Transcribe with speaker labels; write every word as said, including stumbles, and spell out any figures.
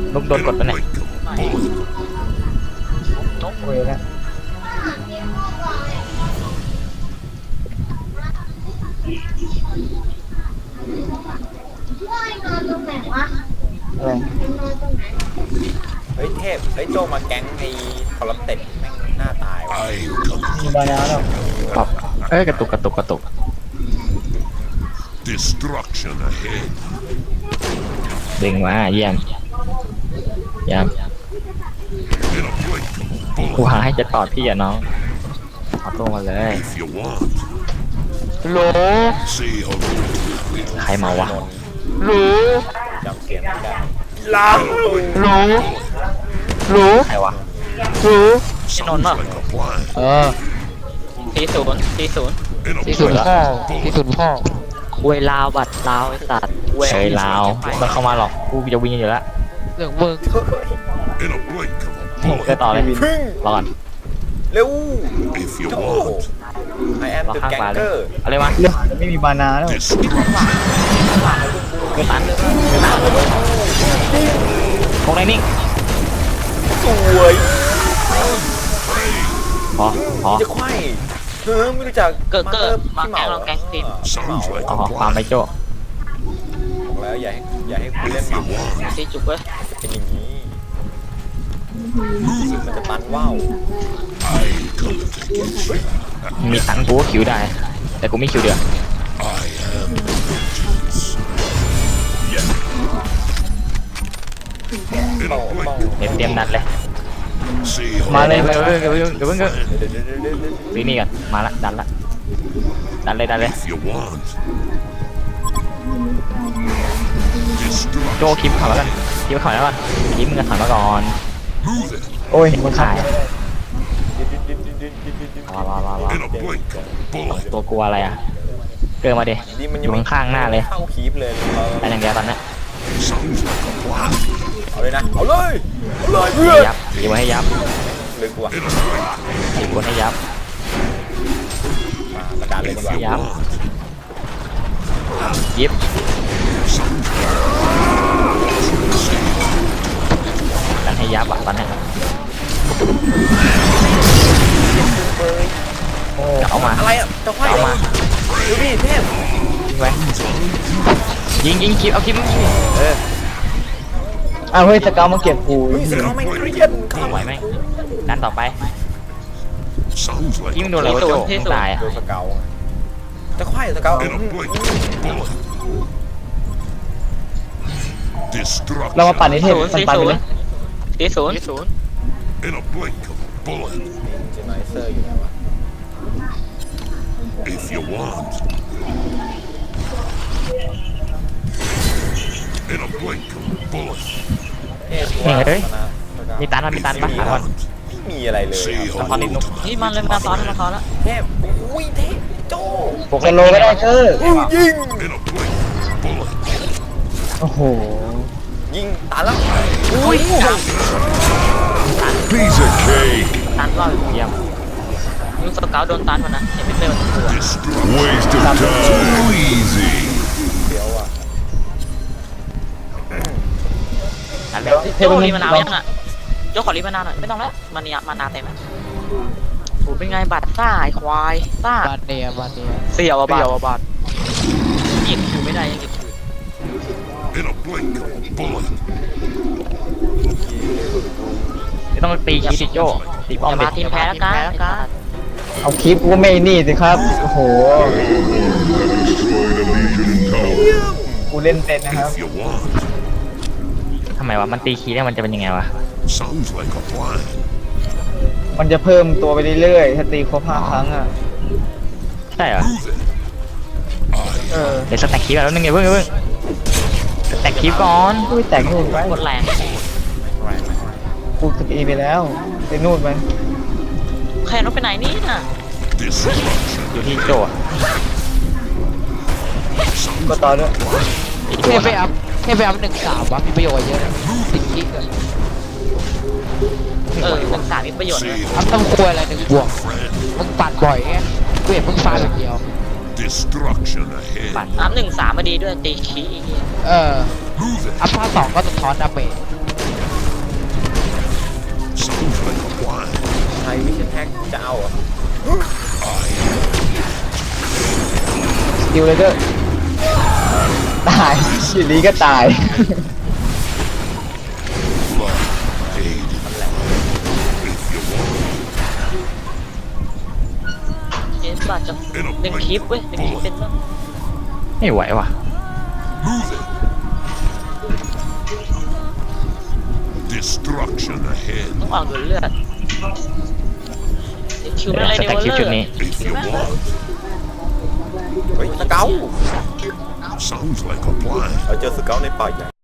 Speaker 1: ลูกโดนกดปะเนี่ย
Speaker 2: นกเวนะอะไร
Speaker 3: เฮ้ยเทพเฮ้ยโจมาแก๊งไอ้คอลัมเต็ดแม่งหน้าตายว่ะ
Speaker 2: มีบานาแล้ว
Speaker 1: ปรับเอ้ยกระตุกกระตุกกระตุก
Speaker 4: Destruction ahead.
Speaker 1: ดึงมาเยี่ยมเยี่ยม
Speaker 4: In a blink of a
Speaker 1: กู
Speaker 4: bullet.
Speaker 1: หาให้จะตอดพี่อะน้องเอาตัวมาเลย
Speaker 4: If you want.
Speaker 1: โหล
Speaker 4: Say hello.
Speaker 1: ใครมาวะ
Speaker 3: โหลจำเสียงไม่ได้ลา
Speaker 1: โหลโหลใครวะโหล
Speaker 4: Sounds like a plan.
Speaker 2: เออ
Speaker 5: สี่ศูนย์สี่ศูนย์
Speaker 4: In a
Speaker 2: ที่สุด
Speaker 4: blink
Speaker 2: พ่อ
Speaker 4: of a
Speaker 2: ที่
Speaker 4: bullet.
Speaker 2: สุดพ่อ
Speaker 5: คุยลาวบัตรลาวไอ้สัตว์คุย
Speaker 1: เฉยลาวไม่ต้องเข้ามาหรอกกูจะวิ่งอยู่แล้ว
Speaker 2: เรื่องมึง
Speaker 4: In a blink of a
Speaker 1: เกิด
Speaker 4: bullet.
Speaker 1: ต่อเลย
Speaker 3: พึ่ง
Speaker 1: รอก่อน
Speaker 3: เร็ว
Speaker 4: If you
Speaker 3: โจ
Speaker 4: want.
Speaker 3: I am
Speaker 1: รอ
Speaker 3: the
Speaker 1: ข้างขวาเลย
Speaker 3: ganger
Speaker 1: เอาเลยมา
Speaker 2: เรื่องไม่มีบานาแล้ว
Speaker 4: Destruction.
Speaker 1: เกิดตันคงในนิ่ง
Speaker 3: สวย
Speaker 1: พอพอ
Speaker 3: จะไขว้เธอไม่รู้จัก
Speaker 5: เกิดเกิดมา
Speaker 3: พี่เห
Speaker 5: แก๊
Speaker 3: มาง
Speaker 5: เราแก๊งทีม
Speaker 4: Sounds like
Speaker 1: อ๋อ
Speaker 4: a
Speaker 1: ฟาร์ม
Speaker 4: plan.
Speaker 1: ไปโจ้
Speaker 3: บอกแล้วอย่าให้อย่าให้คุณเล่น
Speaker 4: If
Speaker 3: ห
Speaker 4: you
Speaker 3: มา
Speaker 4: want.
Speaker 5: ตีจุกเว้ย
Speaker 3: เป็นอย่างนี้
Speaker 4: Move
Speaker 3: มัน
Speaker 4: it.
Speaker 3: จะตันว่าว
Speaker 4: I come to take it.
Speaker 1: มีตังค์กูก็คิวได้ แต่กูไม่คิวเดียว
Speaker 4: I am vengeance. In a blink
Speaker 1: เตรียมเตรียมนัดเลย
Speaker 4: Say
Speaker 2: มาเลย
Speaker 1: เดี๋ยวเดี๋ยวเดี๋ยวเดี๋ยวเพิ่งเดี๋ยว
Speaker 3: เดี๋ยวเดี๋ยวเดี๋ยวเดี๋ยวเดี๋ยว
Speaker 1: ซื้อนี่ก่อนมาละดันละดันเลยดันเลย
Speaker 4: If you want.
Speaker 1: โจ
Speaker 4: Destruction.
Speaker 1: คิมถอยมาก่อนคิมถอยมาก่อนคิมมึงก็ถอยมาก่อน
Speaker 4: Move it.
Speaker 2: โอ้ยมันขา
Speaker 1: ตาย
Speaker 2: ย
Speaker 1: ว้าวว้าวว้าวว้าว
Speaker 4: In a blink of a bullet.
Speaker 1: ตัวกลัวอะไรอ่ะเกิดมาดิ
Speaker 3: นี่มัน
Speaker 1: อ
Speaker 3: ยัง
Speaker 1: ยู่ข้างๆหน้าเลย
Speaker 3: เข้าคีบเลยเรา
Speaker 1: แต่อย่างเดียวตอนนี้
Speaker 4: Sounds like a plan.
Speaker 3: เอาเลยนะเอาเลยเอาเลยเพื่อน
Speaker 1: ยับยิงไว้ให้ยับ
Speaker 3: ลึกว่ะ
Speaker 4: In a blink.
Speaker 1: ยิงบนให้ยับ
Speaker 3: มามาดันเลยดี
Speaker 4: If
Speaker 3: กว่า
Speaker 4: you
Speaker 1: Yep.
Speaker 4: want.
Speaker 1: ยิบ
Speaker 4: Sounds like
Speaker 1: ดันให้ยับอ่ะตอนนี้จะเอามา
Speaker 3: อะไรอ่ะจะไขว้
Speaker 1: เอา
Speaker 3: เหรอ
Speaker 1: มา
Speaker 3: ดูดิเทพ
Speaker 1: ยิงไว้ยิงยิงคิมเอาคิมเออ
Speaker 2: อ้าวเฮ้ยสเกลมาเก็บกู
Speaker 3: เฮ้ยสเกาไม่เรียนเข้า
Speaker 1: ไหวไหมดันต่อไป
Speaker 4: sounds like
Speaker 1: คิม
Speaker 4: a
Speaker 1: โดนอะไรวะโจมึงตายอ่ะ
Speaker 3: ดูสเกาจะไขว้สเกา
Speaker 4: in a blink of a bullet.
Speaker 2: เรามา
Speaker 4: Destruction
Speaker 2: ปั่นในเทพ
Speaker 5: ศูนย์
Speaker 2: ปั่น
Speaker 5: สี่
Speaker 2: ปั่น
Speaker 5: ศู
Speaker 2: ไป
Speaker 5: น
Speaker 2: เล
Speaker 5: ย์
Speaker 2: ย
Speaker 5: สี่ศูนย์ศูนย์
Speaker 4: in a blink of a bullet.
Speaker 3: เจนไนเซอร์อยู่ไหนวะ
Speaker 4: If you want. In a blink of a bullet.
Speaker 3: เอ๊ะว่า
Speaker 1: เฮ้ย
Speaker 3: สนะสเกา
Speaker 1: มีตันมามี
Speaker 4: If
Speaker 1: ตัน
Speaker 4: you
Speaker 1: ปะหาก่อน
Speaker 4: want.
Speaker 3: ไม่มีอะไรเลย
Speaker 4: Say
Speaker 3: ครับ
Speaker 4: hello to
Speaker 5: นี่มันเลยมาซ้อนมาซ้อนแล้ว
Speaker 3: เทพอุ้ยเทพโจ
Speaker 1: พวก
Speaker 2: สโลก็ได้เกอร์
Speaker 3: อุ้ยยิง
Speaker 4: in a blink of a bullet.
Speaker 2: โอ้โห
Speaker 3: ยิงตายแล้ว
Speaker 5: อุ้ย
Speaker 4: Piece of cake.
Speaker 5: ตันว่า
Speaker 1: เยี่ยม
Speaker 5: ยูสเกาโดนตันวันนั้นเห็นไม่เป็นมันตัว
Speaker 4: Destruction. Waste of time. Too easy.
Speaker 3: เดี๋ยวอ่ะ
Speaker 1: ดันเลย
Speaker 5: โจรีมานาวยังอ่ะโจขอรีมานาวหน่อยไม่ต้องแล้วมันเนี่ยมานาเต็มแล้วโอ้เป็นไงบัตรซ่าไอควายซ่า
Speaker 2: บานเนียบานเนีย
Speaker 5: เสี่ยวอะบัตรบัตรหยิบอยู่ไม่ได้ยังหยิบอยู่
Speaker 4: In a blink of a bullet.
Speaker 1: ไม่ต้องตีคีดิโจตีป้อม
Speaker 5: อย่า
Speaker 1: เด็
Speaker 5: มาทีมแพ้แล้วกันแล้วกัน
Speaker 2: เอาคลิปกูไม่นี่สิครับโอ้โห
Speaker 4: Destroyed a legion tower.
Speaker 2: กูเล่นเป็นนะครับ
Speaker 4: If you want.
Speaker 1: ทำไมวะมันตีคีแล้วมันจะเป็นยังไงวะ
Speaker 4: Sounds like a plan.
Speaker 2: มันจะเพิ่มตัวไปเรื่อยๆถ้าตีครบห้าครั้งอ่ะ
Speaker 1: ใช่เหรอ
Speaker 4: Move it.
Speaker 2: เออ
Speaker 1: เดี๋ยวสแต็กคีแล้วนึงไงเพิ่งเพิ่งสแต็กคีก่อน
Speaker 2: กูไปแต่งนู่นไป
Speaker 5: กดแรง
Speaker 2: กูสกีไปแล้วไปนู่นไป
Speaker 5: แค่รถไปไหนนี่น่ะ
Speaker 4: Destruction.
Speaker 1: อยู่ที่โจอะ
Speaker 2: ก็ต่อด้วย
Speaker 1: อีก
Speaker 6: เท
Speaker 1: ตัว
Speaker 6: พไปอัพเทพไปอัพหนึ่งสามวะมีประโยชน์เยอะนะสิบกิกอะ
Speaker 5: เออหนึ่งสามมีประโยชน์เลย
Speaker 6: อัพต้องควยอะไรหนึ่งบวก
Speaker 4: Friend.
Speaker 6: มึงปัดบ่อยไงกูเห็นมึงฟาดอย่างเดียว
Speaker 4: Destruction ahead.
Speaker 1: ปั่น
Speaker 5: อัพหนึ่งสามมาดีด้วยตีขี้
Speaker 6: เออ
Speaker 4: Move it.
Speaker 6: อัพภาคสองก็สะท้อนดาเมจ
Speaker 3: อะไรวิชั่นแท็กจะเอาเหรอ
Speaker 2: สกิลเลยเด้อตายอยู่ดีก็ตาย
Speaker 4: Aid. If you want.
Speaker 5: เอ็นบาดจะหนึ่งคลิปเว้ยหนึ่งคลิปเป็นเรื่อง
Speaker 1: ไม่ไหวว่ะ
Speaker 4: Move it. Destruction ahead.
Speaker 5: ต้องออกเลือดเดี๋ยวคิวไม่อะไร
Speaker 1: ส
Speaker 5: เดี๋ย
Speaker 1: แต็ก
Speaker 5: ว
Speaker 1: คลิป
Speaker 5: เลื
Speaker 1: ชุ
Speaker 5: อ
Speaker 1: ด
Speaker 5: ด
Speaker 1: นี้
Speaker 4: If you want.
Speaker 3: เฮ้ยสเกล
Speaker 4: Sounds like a plan.
Speaker 3: เราเจอสเกลในป่าใหญ่